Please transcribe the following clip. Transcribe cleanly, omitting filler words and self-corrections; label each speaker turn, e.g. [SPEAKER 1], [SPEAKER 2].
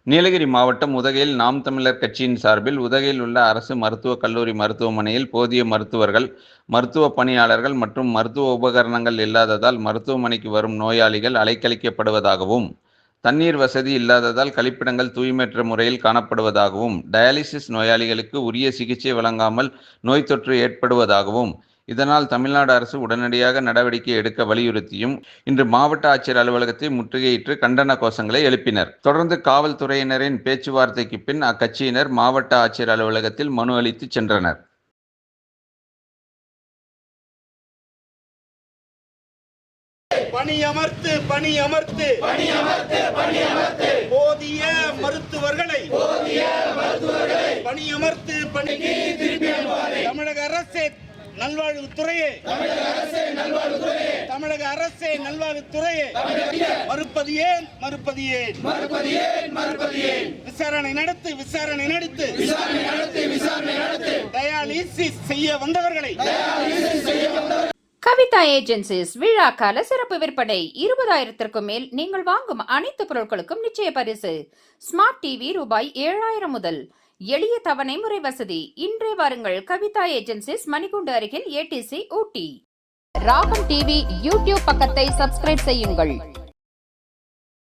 [SPEAKER 1] நீலகிரி மாவட்டம் உதகையில் நாம் தமிழர் கட்சியின் சார்பில் உதகையில் உள்ள அரசு மருத்துவக் கல்லூரி மருத்துவமனையில் போதிய மருத்துவர்கள், மருத்துவ பணியாளர்கள் மற்றும் மருத்துவ உபகரணங்கள் இல்லாததால் மருத்துவமனைக்கு வரும் நோயாளிகள் அலைக்கழிக்கப்படுவதாகவும், தண்ணீர் வசதி இல்லாததால் கழிப்பிடங்கள் தூய்மையற்ற முறையில் காணப்படுவதாகவும், டயாலிசிஸ் நோயாளிகளுக்கு உரிய சிகிச்சை வழங்காமல் நோய் தொற்று ஏற்படுவதாகவும், இதனால் தமிழ்நாடு அரசு உடனடியாக நடவடிக்கை எடுக்க வலியுறுத்தியும் இன்று மாவட்ட ஆட்சியர் அலுவலகத்தை முற்றுகையிட்டு கண்டன கோஷங்களை எழுப்பினர். தொடர்ந்து காவல்துறையினரின் பேச்சுவார்த்தைக்கு பின் அக்கட்சியினர் மாவட்ட ஆட்சியர் அலுவலகத்தில் மனு அளித்து சென்றனர்.
[SPEAKER 2] பணியமர்த்து பணியமர்த்து பணியமர்த்து போதிய மருத்துவர்களை பணியமர்த்து பணிக்கு தமிழக அரசே நல்வாழ்வுத்துறையே தமிழக அரசே நல்வாழ்வுத்துறையே மறுப்பது ஏன் விசாரணை நடத்து டயாலிசிஸ் செய்ய வந்தவர்களை
[SPEAKER 3] கவிதா ஏஜென்சிஸ் விழா கால சிறப்பு விற்பனை 20,000க்கும் மேல் நீங்கள் வாங்கும் அனைத்து பொருட்களுக்கும் நிச்சய பரிசு. ஸ்மார்ட் டிவி ரூபாய் 7,000 முதல். எளிய தவணை முறை வசதி. இன்றே வாருங்கள். கவிதா ஏஜென்சிஸ், மணிக்கூண்டு அருகில், ATC, ஊட்டி. ராகம் டிவி யூடியூப் பக்கத்தை சப்ஸ்கிரைப் செய்யுங்கள்.